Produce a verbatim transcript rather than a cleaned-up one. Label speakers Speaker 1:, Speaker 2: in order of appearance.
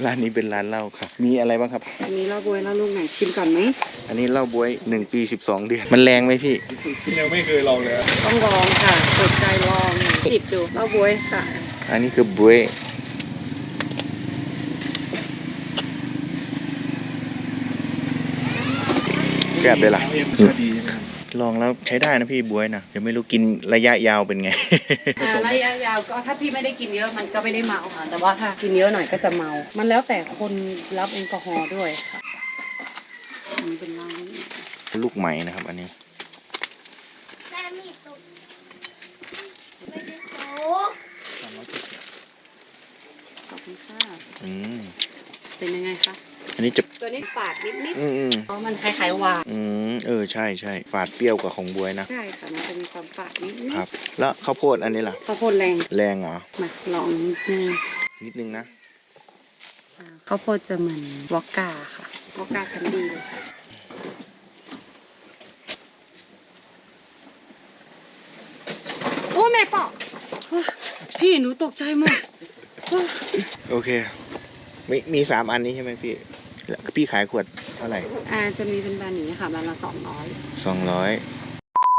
Speaker 1: ร้านนี้เป็นร้านเหล้าครับมีอะไรบ้างครับ
Speaker 2: อันนี้เหล้าบวยเหล้าลูกไหนชิมก่อนไหม
Speaker 1: อันนี้เหล้าบวยหนึ่งปีสิบสองเดือนมันแรงไหมพี่
Speaker 3: ยังไม่เคยลองเลย
Speaker 2: ต้องลองค่ะเปิดใจลองจิบดูเหล้าบวยค่ะ
Speaker 1: อันนี้คือบวยแซ่บเลยล่ะ
Speaker 3: ดี
Speaker 1: ลองแล้วใช้ได้นะพี่บวยนะเดี๋ยวไม่รู้กินระยะยาวเป็นไง
Speaker 2: อ่าระยะยาวก็ถ้าพี่ไม่ได้กินเยอะมันก็ไม่ได้เมาค่ะ แต่ว่าถ้ากินเยอะหน่อยก็จะเมา มันแล้วแต่คนรับแอลกอฮอล์ด้วยค่ะอันนี้เป็นร้าน
Speaker 1: ลูกไหมนะครับ อันนี้
Speaker 4: แม่มีตุกไม่ได้โต
Speaker 2: ขอบคุณค่ะ
Speaker 1: อืม
Speaker 2: เป็นยังไงคะ
Speaker 1: อันนี้จะ
Speaker 2: ตัวนี้ฝาดนิดนิด
Speaker 1: อืมอืม
Speaker 2: เพราะมันคล้ายๆหวาน
Speaker 1: อืมเออใช่ใช่ฝาดเปรี้ยวกว่าของบวยนะ
Speaker 2: ใช่ค่ะมันจะมีความฝาดนิดนิด
Speaker 1: ครับ แล้วข้าวโพดอันนี้ล่ะ
Speaker 2: ข้าวโพดแรง
Speaker 1: แรงเหรอ
Speaker 2: มาลองนิดนึง
Speaker 1: นิดนึงนะ
Speaker 2: อ่าข้าวโพดจะเหมือนวอกกาค่ะวอกกาชั้นดีเลยค่ะโอ้แม่ปอกโอ้พี่หนูตกใจหมดโอ้
Speaker 1: โอเคมีมีสามอันนี้ใช่ไหมพี่แล้วพี่ขายขวดเท่าไหร่
Speaker 2: อ่าจะมีเป็นบานนี้ค่ะบานละสองร้อย
Speaker 1: สองร้อย